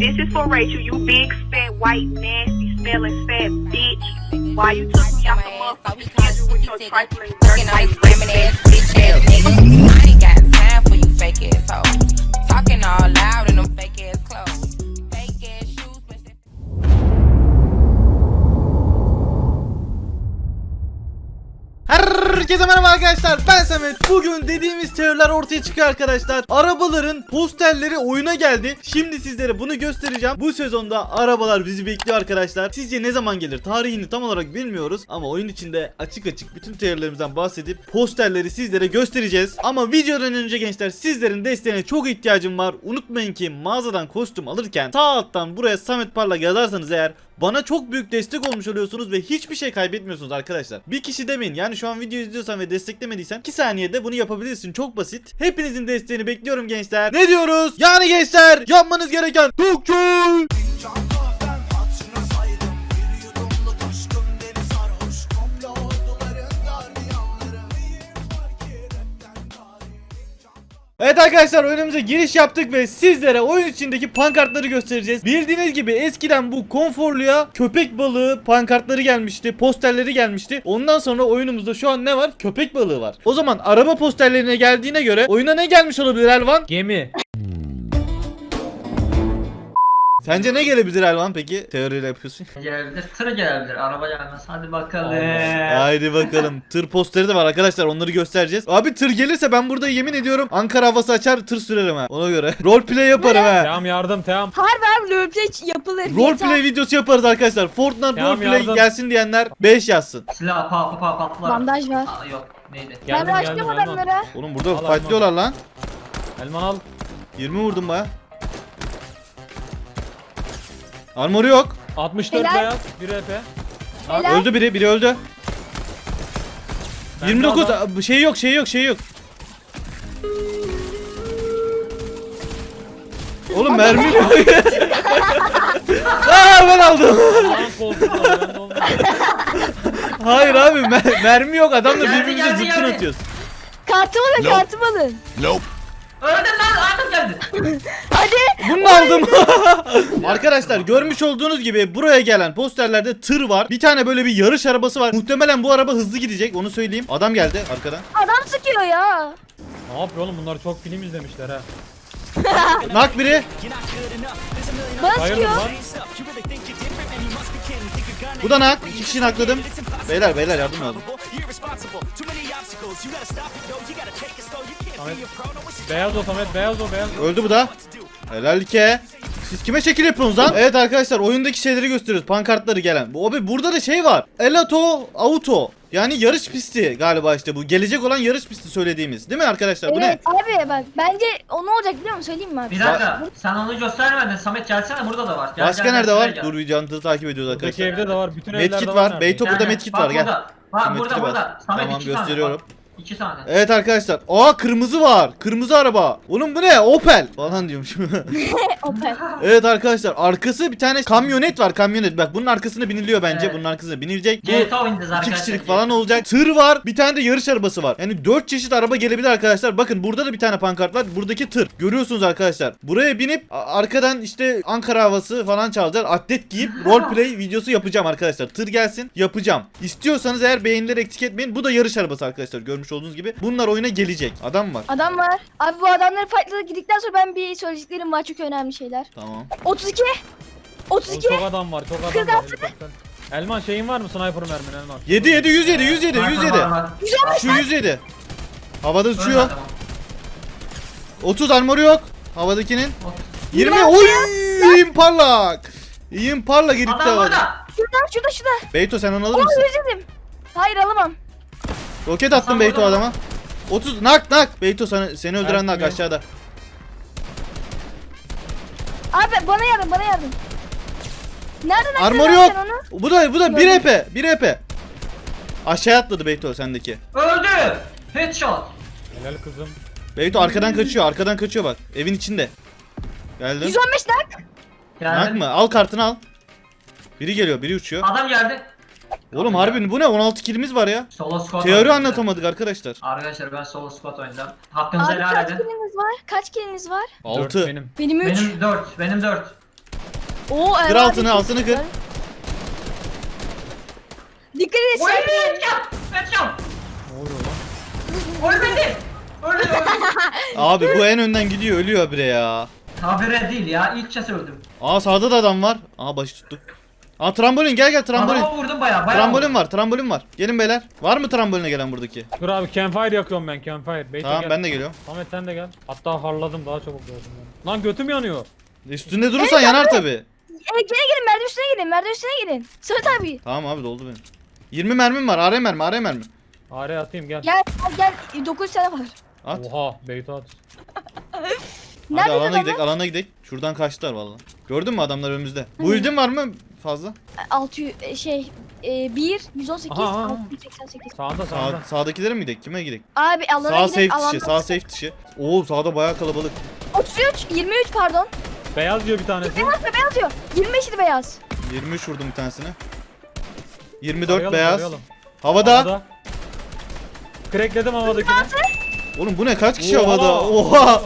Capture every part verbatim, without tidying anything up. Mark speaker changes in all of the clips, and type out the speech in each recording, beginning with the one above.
Speaker 1: This is for Rachel, you big, fat, white, nasty, smelling, fat bitch. Why you took me out the motherfucking schedule with your trifling, dirty, white, scamming ass, bitch ass niggas? I ain't got time for you fake ass hoes. Talking all loud in them fake ass clothes. Fake ass shoes, but
Speaker 2: Herkese merhaba arkadaşlar, ben Samet. Bugün dediğimiz teoriler ortaya çıkıyor arkadaşlar. Arabaların posterleri oyuna geldi. Şimdi sizlere bunu göstereceğim. Bu sezonda arabalar bizi bekliyor arkadaşlar. Sizce ne zaman gelir? Tarihini tam olarak bilmiyoruz. Ama oyun içinde açık açık bütün teorilerimizden bahsedip posterleri sizlere göstereceğiz. Ama videodan önce gençler, sizlerin desteğine çok ihtiyacım var. Unutmayın ki mağazadan kostüm alırken sağ alttan buraya Samet Parlak yazarsanız eğer bana çok büyük destek olmuş oluyorsunuz ve hiçbir şey kaybetmiyorsunuz arkadaşlar. Bir kişi demeyin, yani şu an video izliyorsan ve desteklemediysen iki saniyede bunu yapabilirsin, çok basit. Hepinizin desteğini bekliyorum gençler. Ne diyoruz? Yani gençler, yapmanız gereken çok şey. Evet arkadaşlar, önümüze giriş yaptık ve sizlere oyun içindeki pankartları göstereceğiz. Bildiğiniz gibi eskiden bu konforluya köpek balığı pankartları gelmişti, posterleri gelmişti. Ondan sonra oyunumuzda şu an ne var? Köpek balığı var. O zaman araba posterlerine geldiğine göre oyuna ne gelmiş olabilir Elvan?
Speaker 3: Gemi.
Speaker 2: Sence ne gelebilir Elvan peki? Teoriyle yapıyorsun.
Speaker 4: Gelebilir, tır gelebilir, araba gelmez. Hadi bakalım.
Speaker 2: Haydi bakalım. Tır posteri de var arkadaşlar, onları göstereceğiz. Abi tır gelirse ben burada yemin ediyorum Ankara havası açar, tır sürerim ha. Ona göre roleplay yaparım ha.
Speaker 3: Tamam, yardım tamam.
Speaker 5: Harbi abi roleplay yapılır.
Speaker 2: Roleplay videosu yaparız arkadaşlar. Fortnite
Speaker 3: Tamam,
Speaker 2: roleplay
Speaker 3: yardım.
Speaker 2: gelsin diyenler beş yazsın.
Speaker 4: Silah pa pa pa patlar.
Speaker 5: Bandaj var.
Speaker 4: Aa, yok neydi?
Speaker 5: Ben
Speaker 3: Geldim geldim
Speaker 5: başlıyorum
Speaker 3: Elman.
Speaker 5: adamlara.
Speaker 2: Oğlum burada
Speaker 3: Al,
Speaker 2: fightlıyorlar lan.
Speaker 3: Elman al.
Speaker 2: yirmi vurdum baya. Armoru yok.
Speaker 3: altmış dört
Speaker 5: Helal.
Speaker 3: beyaz. bir E P.
Speaker 5: Helal.
Speaker 2: Öldü biri, biri öldü.
Speaker 3: Ben
Speaker 2: yirmi dokuz
Speaker 3: de adam-
Speaker 2: şey yok, şey yok, şey yok. Oğlum mermi yok. Aa, ben aldım.
Speaker 3: Allah'ın koltuğu var, ben de olmuyor.
Speaker 2: Hayır abi, mer- mermi yok. Adamla
Speaker 4: Geldi,
Speaker 2: birbirimize
Speaker 4: geldi,
Speaker 2: zıpkın
Speaker 4: geldi.
Speaker 2: atıyoruz.
Speaker 5: Kartımı alın, kartımı alın.
Speaker 4: Öldüm lan, artık geldi.
Speaker 5: Hadi.
Speaker 2: Bunu da aldım. Arkadaşlar, görmüş olduğunuz gibi buraya gelen posterlerde tır var. Bir tane böyle bir yarış arabası var. Muhtemelen bu araba hızlı gidecek, onu söyleyeyim. Adam geldi arkadan.
Speaker 5: Adam sıkıyor ya.
Speaker 3: Ne yapıyor oğlum, bunlar çok film izlemişler ha.
Speaker 2: Nak biri.
Speaker 5: Bana
Speaker 3: Bayıldım
Speaker 5: sıkıyor.
Speaker 3: lan.
Speaker 2: Bu da nak. İki kişi nakladım. Beyler beyler yardım lazım.
Speaker 3: Samet. Beyaz o Samet, beyaz o beyaz.
Speaker 2: Öldü bu da. Helal ki. Siz kime şekil yapıyorsunuz lan? Evet arkadaşlar, oyundaki şeyleri gösteriyoruz. Pankartları gelen. Bu abi, burada da şey var. Elato Auto. Yani yarış pisti galiba işte bu. Gelecek olan yarış pisti söylediğimiz. Değil mi arkadaşlar? Bu
Speaker 5: Evet
Speaker 2: ne?
Speaker 5: abi bak bence o ne olacak biliyor musun, söyleyeyim mi abi?
Speaker 4: Bir dakika, sen onu göstermedin. Samet gelsene, burada da var. Gel,
Speaker 2: Başka
Speaker 4: gel,
Speaker 2: nerede
Speaker 4: gel,
Speaker 2: var?
Speaker 4: gel.
Speaker 2: Dur, videomuzu takip ediyoruz
Speaker 3: Buradaki
Speaker 2: arkadaşlar.
Speaker 3: evde de var, bütün evlerde
Speaker 2: Medkit
Speaker 3: var.
Speaker 2: var.
Speaker 3: neredeyse.
Speaker 2: Beyto burada
Speaker 4: Gel, gel.
Speaker 2: medkit
Speaker 4: Bak
Speaker 2: var, gel.
Speaker 4: burada. Bak
Speaker 2: Şu
Speaker 4: burada
Speaker 2: medkiti
Speaker 4: burada. Samet
Speaker 2: Tamam,
Speaker 4: iki tane.
Speaker 2: gösteriyorum.
Speaker 4: Bak, İki tane.
Speaker 2: Evet arkadaşlar. Aa, kırmızı var. Kırmızı araba. Oğlum bu ne? Opel falan diyormuşum.
Speaker 5: Opel.
Speaker 2: Evet arkadaşlar, arkası bir tane kamyonet var, kamyonet. Bak bunun arkasına biniliyor bence.
Speaker 4: Evet.
Speaker 2: Bunun arkasına binilecek. Bu
Speaker 4: G T A oynayacağız
Speaker 2: iki
Speaker 4: arkadaşlar.
Speaker 2: kişilik falan olacak. Tır var. Bir tane de yarış arabası var. Yani dört çeşit araba gelebilir arkadaşlar. Bakın burada da bir tane pankart var. Buradaki tır. Görüyorsunuz arkadaşlar. Buraya binip a- arkadan işte Ankara havası falan çalacağız. Atlet giyip roleplay videosu yapacağım arkadaşlar. Tır gelsin, yapacağım. İstiyorsanız eğer beğenileri eksik etmeyin. Bu da yarış arabası arkadaşlar. Görmüş olduğunuz gibi. Bunlar oyuna gelecek. Adam var.
Speaker 5: Adam var. Abi bu adamları fightladı gittikten sonra ben bir söyleyeceklerim var, çok önemli şeyler.
Speaker 2: Tamam.
Speaker 5: otuz iki. otuz
Speaker 3: Oğlum
Speaker 5: iki.
Speaker 3: çok adam var, çok adam
Speaker 5: kırk
Speaker 3: var.
Speaker 5: altı.
Speaker 3: helikopter. Elman şeyin var mı, sniper mermin Elman?
Speaker 2: yedi yedi yüz yedi yüz yedi yüz yedi.
Speaker 4: Var, var, var.
Speaker 2: Şu yüz yedi. Havada
Speaker 4: Öyle
Speaker 2: uçuyor.
Speaker 4: tamam.
Speaker 2: otuz armoru yok. Havadakinin.
Speaker 4: Otuz.
Speaker 2: yirmi. Oy! İyiyim parlak. İyiyim parlak gitti
Speaker 4: Adam
Speaker 2: havada.
Speaker 4: burada.
Speaker 5: Şurada şurada şurada.
Speaker 2: Beyto sen onu alır
Speaker 5: Ama
Speaker 2: mısın?
Speaker 5: özledim. Hayır alamam.
Speaker 2: Roket attım
Speaker 4: Hasan
Speaker 2: Beyto
Speaker 4: burada.
Speaker 2: adama. otuz nak nak. Beyto sana, seni öldüren
Speaker 3: Evet,
Speaker 2: nak
Speaker 3: biliyorum.
Speaker 2: aşağıda.
Speaker 5: Abi bana yardım, bana yardım. Nereden
Speaker 2: Armor
Speaker 5: attın
Speaker 2: yok.
Speaker 5: sen onu?
Speaker 2: Bu da bu da bir
Speaker 5: Gördüm.
Speaker 2: E P. bir E P. Aşağı atladı Beyto sendeki.
Speaker 4: Öldü. Headshot.
Speaker 3: Helal kızım.
Speaker 2: Beyto arkadan kaçıyor. Arkadan kaçıyor bak. Evin içinde. Geldim.
Speaker 5: yüz on beş nak.
Speaker 2: Nak
Speaker 4: Geldi.
Speaker 2: mı? Al kartını al. Biri geliyor, biri uçuyor.
Speaker 4: Adam geldi.
Speaker 2: Oğlum harbi bu ne? on altı kilimiz var ya.
Speaker 4: Solo squad
Speaker 2: Teori
Speaker 4: oynadım.
Speaker 2: anlatamadık arkadaşlar.
Speaker 4: Arkadaşlar ben solo squad oynadım. Hakkınızı
Speaker 5: Abi
Speaker 4: helal
Speaker 5: kaç
Speaker 4: edin.
Speaker 5: kiliniz var? Kaç kiliniz var?
Speaker 3: Dört
Speaker 2: altı.
Speaker 3: benim.
Speaker 5: Benim üç.
Speaker 4: Benim dört. Benim dört.
Speaker 5: Oo,
Speaker 2: Kır
Speaker 5: Erman
Speaker 2: altını,
Speaker 5: abi,
Speaker 2: altını
Speaker 5: çok
Speaker 2: kır.
Speaker 5: güzel. Dikkat et
Speaker 4: Oy
Speaker 5: sen.
Speaker 4: headshot. Headshot.
Speaker 3: Ne oluyor lan?
Speaker 4: Ölmedi. Öldü öldü.
Speaker 2: Abi bu en önden gidiyor, ölüyor bire ya.
Speaker 4: Habire değil ya. İlk kez öldüm.
Speaker 2: Aa sağda da adam var. Aa başı tuttuk. Aa trambolin, gel gel trambolin.
Speaker 4: Adama vurdum bayağı. bayağı
Speaker 2: Trambolin
Speaker 4: vurdum.
Speaker 2: var, trambolin var. Gelin beyler. Var mı tramboline gelen buradaki?
Speaker 3: Dur abi campfire yakıyorum ben campfire. Beyto
Speaker 2: Tamam
Speaker 3: gel.
Speaker 2: ben de geliyorum.
Speaker 3: Samet sen de gel. Hatta harladım daha çabuk gördüm ben. Lan götüm yanıyor.
Speaker 2: Üstünde durursan yanar tabi.
Speaker 5: E, gene gelin merdiven üstüne gelin merdiven üstüne gelin. Sırt abi.
Speaker 2: Tamam abi doldu benim. yirmi mermim var. A R mermi, A R mermi.
Speaker 3: Araya atayım gel.
Speaker 5: Gel gel gel dokuz tane var.
Speaker 2: At.
Speaker 3: Oha Beyto at.
Speaker 2: Hadi
Speaker 5: Nerede
Speaker 2: alana
Speaker 5: adamlar?
Speaker 2: gidelim, alana gidelim. Şuradan kaçtılar vallahi. Gördün mü adamlar önümüzde? Bu ildin var mı fazla?
Speaker 5: altı yüz e, şey e, bir yüz on sekiz
Speaker 3: Aha, aha.
Speaker 5: altı yüz seksen sekiz.
Speaker 3: Sağda
Speaker 2: Sağ,
Speaker 3: sağda.
Speaker 2: sağdakilere mi gidelim? Kime gidelim?
Speaker 5: Abi alana
Speaker 2: Sağ
Speaker 5: gidelim.
Speaker 2: safe dışı,
Speaker 5: Alanda
Speaker 2: sağ safe dışı. Oo sağda bayağı kalabalık.
Speaker 5: otuz üç yirmi üç pardon.
Speaker 3: Beyaz diyor bir tanesi.
Speaker 5: Beyaz ve beyaz diyor. yirmi beş idi beyaz.
Speaker 2: yirmi üç vurdum bir tanesine. yirmi dört
Speaker 3: Arayalım,
Speaker 2: beyaz.
Speaker 3: arayalım.
Speaker 2: Havada.
Speaker 3: Havada. Crackledim havadakini.
Speaker 2: Oğlum bu ne? Kaç kişi
Speaker 3: Oha!
Speaker 2: havada? Oha!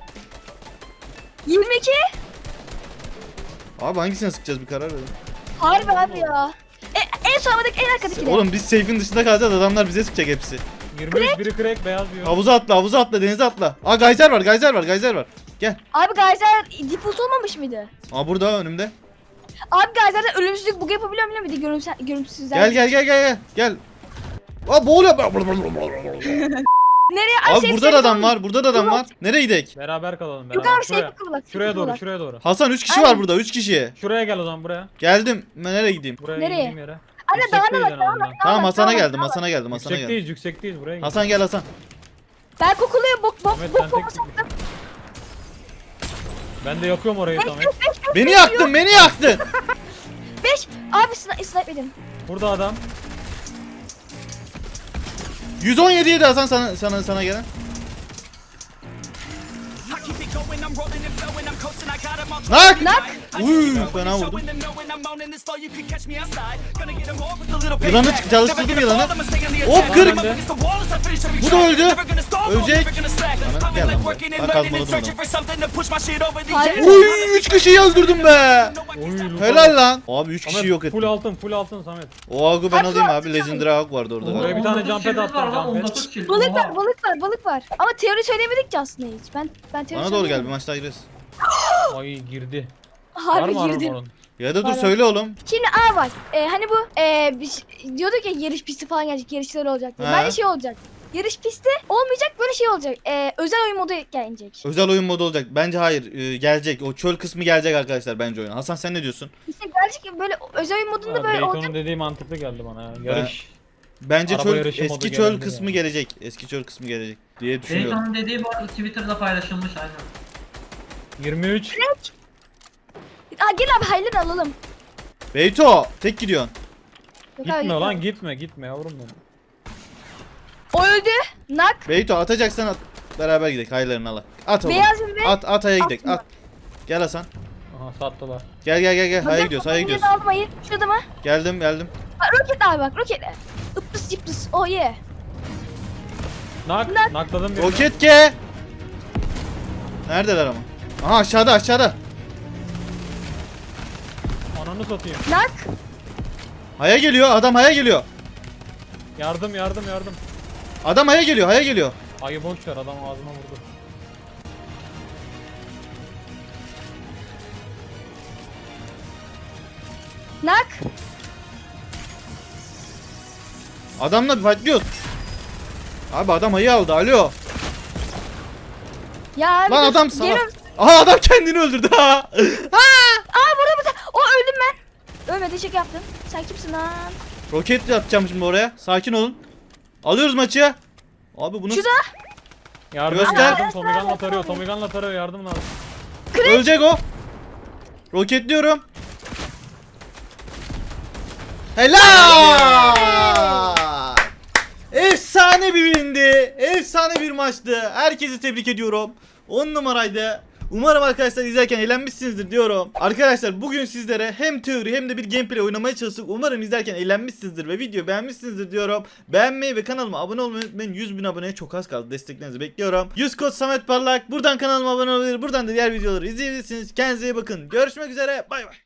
Speaker 5: yirmi iki.
Speaker 2: Abi hangisine sıkacağız bir karar verin.
Speaker 5: Harbi abi ya. E, en son havadaki en arkadaki de.
Speaker 2: Oğlum biz safe'in dışında kalacağız, adamlar bize sıkacak hepsi.
Speaker 3: yirmi üç biri crack beyaz diyor.
Speaker 2: Havuza atla, havuza atla, denize atla. Aa gayzer var, gayzer var, gayzer var. Gel.
Speaker 5: Abi Geyser default olmamış mıydı?
Speaker 2: Aa burada önümde.
Speaker 5: Abi Geyser'de ölümsüzlük bug yapabiliyor muyum? Bir de görümsüz, görümsüzler.
Speaker 2: Gel gel gel gel gel. Gel. Aa boğuluyor.
Speaker 5: Nereye? Ay,
Speaker 2: Abi
Speaker 5: safe,
Speaker 2: burada da
Speaker 5: safe
Speaker 2: adam
Speaker 5: olmuş.
Speaker 2: var, burada da adam var. Nereye gidek?
Speaker 3: Beraber kalalım
Speaker 5: Yok
Speaker 3: beraber.
Speaker 5: abi
Speaker 3: Şuraya,
Speaker 5: safe kıvılak.
Speaker 3: şuraya doğru şuraya doğru.
Speaker 2: Hasan üç kişi
Speaker 5: Aynen.
Speaker 2: var burada, üç kişi.
Speaker 3: Şuraya gel o zaman buraya.
Speaker 2: Geldim. Ben nereye gideyim?
Speaker 3: Buraya
Speaker 5: Nereye?
Speaker 3: indiğim yere.
Speaker 5: Anne dağına
Speaker 3: Yüksekteyiz
Speaker 5: bak
Speaker 3: en
Speaker 5: dağına
Speaker 3: azından.
Speaker 5: bak.
Speaker 2: Tamam Hasan'a
Speaker 5: dağına bak,
Speaker 2: geldim,
Speaker 5: dağına bak.
Speaker 2: Hasan'a geldim, Hasan'a geldim.
Speaker 3: Yüksekteyiz yüksekteyiz buraya gel.
Speaker 2: Hasan gel Hasan.
Speaker 5: Ben kokuluyor bok bok
Speaker 3: Ahmet,
Speaker 5: bok
Speaker 3: sen
Speaker 5: bok
Speaker 3: tek-
Speaker 5: sattım.
Speaker 3: Ben de yakıyorum orayı Samet.
Speaker 2: Beni yaktın, beni yaktın.
Speaker 5: beş. Abi snipe snipe edin.
Speaker 3: Burada adam.
Speaker 2: yüz on yedi yedi Hasan sana sana sana gelen. Nak!
Speaker 5: Nak.
Speaker 2: Uy fena vurdum. Yılanı çık- çalıştırdım yılanı. Hop kırık. Bu da öldü. Ölecek. Bana gel lan buraya. Ben kazmaladım adamı.
Speaker 5: Hayır.
Speaker 2: Uy üç kişiyi öldürdüm be.
Speaker 3: Oy, loot
Speaker 2: Helal
Speaker 3: aldım.
Speaker 2: lan. Abi üç
Speaker 3: Samet,
Speaker 2: kişi yok
Speaker 3: Full
Speaker 2: ettim.
Speaker 3: altın full altın Samet.
Speaker 2: O agı ben
Speaker 5: Abi,
Speaker 2: alayım
Speaker 5: şu-
Speaker 2: abi. Legendary Hawk vardı orada.
Speaker 3: Oraya bir tane
Speaker 4: on dokuz
Speaker 3: jump pad
Speaker 4: killimiz var
Speaker 3: attım,
Speaker 4: lan,
Speaker 3: jump pad.
Speaker 4: on dokuz kill.
Speaker 5: Balık
Speaker 4: Oha.
Speaker 5: var balık var balık var. Ama teori söylemedik ki aslında hiç. Ben ben teori
Speaker 2: Bana doğru gel bir
Speaker 5: söylemedim.
Speaker 2: maç daha gireriz.
Speaker 3: Ay girdi. Var
Speaker 5: Harbi
Speaker 3: mı
Speaker 5: girdim.
Speaker 3: armorun?
Speaker 2: Ya da dur
Speaker 5: Var.
Speaker 2: söyle oğlum.
Speaker 5: Şimdi A var. E, hani bu e, biz diyorduk ya yarış pisti falan gelecek, yarışlar olacak diye.
Speaker 2: He.
Speaker 5: Bence şey olacak. Yarış pisti olmayacak, böyle şey olacak. E, özel oyun modu gelecek.
Speaker 2: Özel oyun modu olacak. Bence hayır e, gelecek. O çöl kısmı gelecek arkadaşlar bence oyuna. Hasan sen ne diyorsun?
Speaker 5: İşte gelecek böyle özel oyun modunda
Speaker 3: Ha,
Speaker 5: böyle
Speaker 3: Beyton'un
Speaker 5: olacak.
Speaker 3: dediği mantıklı geldi bana ya. Yarış.
Speaker 2: Bence
Speaker 3: Araba
Speaker 2: çöl
Speaker 3: yarışı modu
Speaker 2: eski çöl
Speaker 3: gelebilir
Speaker 2: kısmı
Speaker 3: yani.
Speaker 2: gelecek. Eski çöl kısmı gelecek diye düşünüyorum.
Speaker 4: Dayton'un dediği bu arada Twitter'da paylaşılmış aynen.
Speaker 3: yirmi üç.
Speaker 5: Aa, gel abi hayırlı alalım.
Speaker 2: Beyto tek gidiyorsun.
Speaker 5: Yok abi,
Speaker 3: Gitme
Speaker 5: yok.
Speaker 3: lan gitme gitme yavrum benim.
Speaker 5: O öldü. Nak.
Speaker 2: Beyto atacaksan at. Beraber gidelim. Hayırlarını al. At oğlum.
Speaker 5: Beyaz ve
Speaker 2: At at aya gidelim.
Speaker 5: Atma.
Speaker 2: At. Gel Hasan.
Speaker 3: Aha sattılar.
Speaker 2: Gel gel gel gel. Haya
Speaker 5: Bakın,
Speaker 2: gidiyoruz. Haya
Speaker 5: bakın,
Speaker 2: gidiyoruz.
Speaker 5: aldım hayır. Şurada mı?
Speaker 2: Geldim geldim.
Speaker 5: Bak roket abi bak roket. Ipıs yıpıs. Oh yeah.
Speaker 3: Nak.
Speaker 5: Nak.
Speaker 3: Nakladım birini.
Speaker 2: Roket ke. Neredeler ama? Aha aşağıda aşağıda.
Speaker 3: Ananı satayım.
Speaker 5: Nak.
Speaker 2: Haya geliyor. Adam haya geliyor.
Speaker 3: Yardım yardım yardım.
Speaker 2: Adam haya geliyor. Haya geliyor.
Speaker 3: Ayı boş ver adam ağzıma vurdu.
Speaker 5: Nak.
Speaker 2: Adamla bir fightlıyoruz. Abi adam hayı aldı. Alo.
Speaker 5: Ya abi
Speaker 2: Lan
Speaker 5: dur,
Speaker 2: adam sana.
Speaker 5: geliyorum.
Speaker 2: Aha adam kendini öldürdü ha.
Speaker 5: Aa burada burada. O öldüm ben. Ölmedi şaka yaptım. Sen kimsin lan?
Speaker 2: Roket atacağım şimdi oraya. Sakin olun. Alıyoruz maçı. Abi bunu
Speaker 5: Şurada.
Speaker 3: Yardım
Speaker 2: Göster.
Speaker 3: yardım. Tomigan'la tarıyor. Tomigan'la tarıyor yardım lazım.
Speaker 2: ölecek o. Roketliyorum. Helal! Efsane bir windi. Efsane bir maçtı. Herkesi tebrik ediyorum. on numaraydı. Umarım arkadaşlar izlerken eğlenmişsinizdir diyorum. Arkadaşlar bugün sizlere hem teori hem de bir gameplay oynamaya çalıştık. Umarım izlerken eğlenmişsinizdir ve videoyu beğenmişsinizdir diyorum. Beğenmeyi ve kanalıma abone olmayı unutmayın. yüz bin aboneye çok az kaldı. Desteklerinizi bekliyorum. yüz kod Samet Parlak. Buradan kanalıma abone olabilir. Buradan da diğer videoları izleyebilirsiniz. Kendinize iyi bakın. Görüşmek üzere. Bay bay.